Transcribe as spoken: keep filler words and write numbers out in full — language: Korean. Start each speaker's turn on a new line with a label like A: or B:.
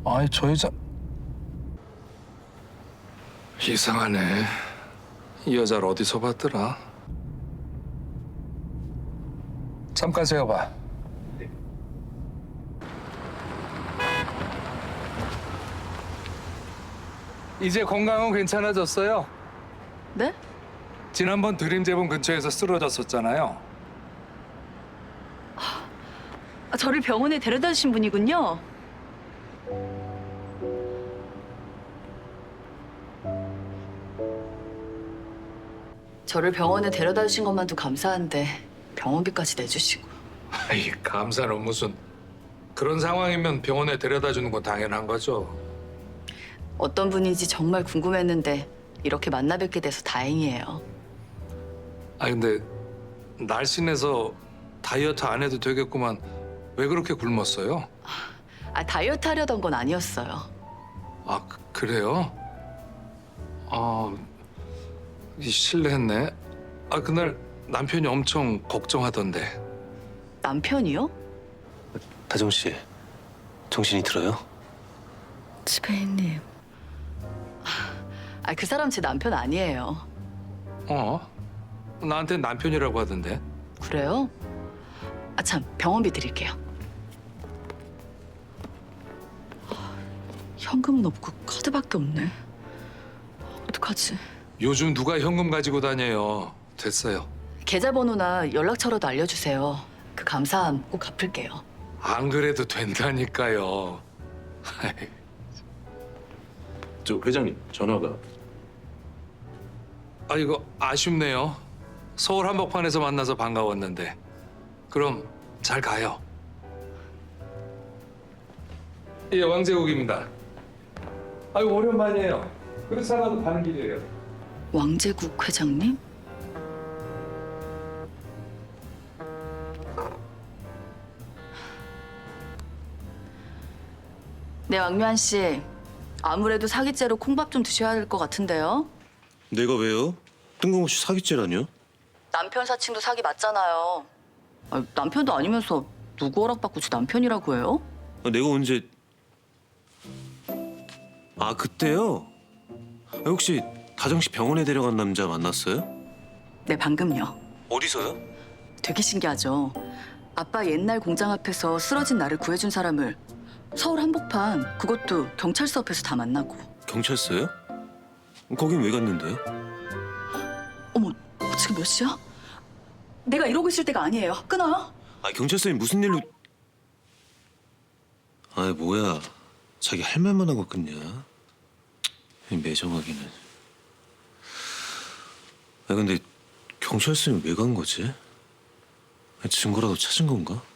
A: 아이 저 여자 이상하네. 이 여자를 어디서 봤더라? 잠깐 세워봐. 이제 건강은 괜찮아졌어요.
B: 네?
A: 지난번 드림 재본 근처에서 쓰러졌었잖아요.
B: 아, 저를 병원에 데려다 주신 분이군요. 저를 병원에 데려다 주신 것만도 감사한데 병원비까지 내주시고.
A: 아이 감사는 무슨. 그런 상황이면 병원에 데려다 주는 건 당연한 거죠.
B: 어떤 분인지 정말 궁금했는데 이렇게 만나 뵙게 돼서 다행이에요.
A: 아 근데 날씬해서 다이어트 안 해도 되겠구만. 왜 그렇게 굶었어요?
B: 아, 다이어트 하려던 건 아니었어요.
A: 아 그- 그래요? 아 이 실례했네. 아 그날 남편이 엄청 걱정하던데.
B: 남편이요?
C: 다정 씨, 정신이 들어요?
B: 지배인님. 아, 그 사람 제 남편 아니에요.
A: 어? 나한테 남편이라고 하던데.
B: 그래요? 아, 참, 병원비 드릴게요. 현금은 없고 카드밖에 없네. 어떡하지?
A: 요즘 누가 현금 가지고 다녀요. 됐어요.
B: 계좌번호나 연락처라도 알려주세요. 그 감사함 꼭 갚을게요.
A: 안 그래도 된다니까요.
C: 저 회장님 전화가.
A: 아 이거 아쉽네요. 서울 한복판에서 만나서 반가웠는데. 그럼 잘 가요. 예, 왕제국입니다. 아유 오랜만이에요. 그릇 하나도 가는 길이에요.
B: 왕제국 회장님? 네, 왕묘한 씨. 아무래도 사기죄로 콩밥 좀 드셔야 될 것 같은데요.
C: 내가 왜요? 뜬금없이 사기죄라뇨?
B: 남편 사칭도 사기 맞잖아요. 아, 남편도 아니면서 누구 허락받고 제 남편이라고 해요?
C: 아, 내가 언제... 아 그때요? 아, 혹시 다정 씨 병원에 데려간 남자 만났어요?
B: 네, 방금요.
C: 어디서요?
B: 되게 신기하죠. 아빠 옛날 공장 앞에서 쓰러진 나를 구해준 사람을 서울 한복판, 그것도 경찰서 앞에서 다 만나고.
C: 경찰서요? 거긴 왜 갔는데요?
B: 어머, 지금 몇 시야? 내가 이러고 있을 때가 아니에요. 끊어요?
C: 아 경찰서에 무슨 일로... 아 뭐야, 자기 할 말만 하고 끊냐? 이 매정하기는. 아 근데 경찰서에 왜 간 거지? 증거라도 찾은 건가?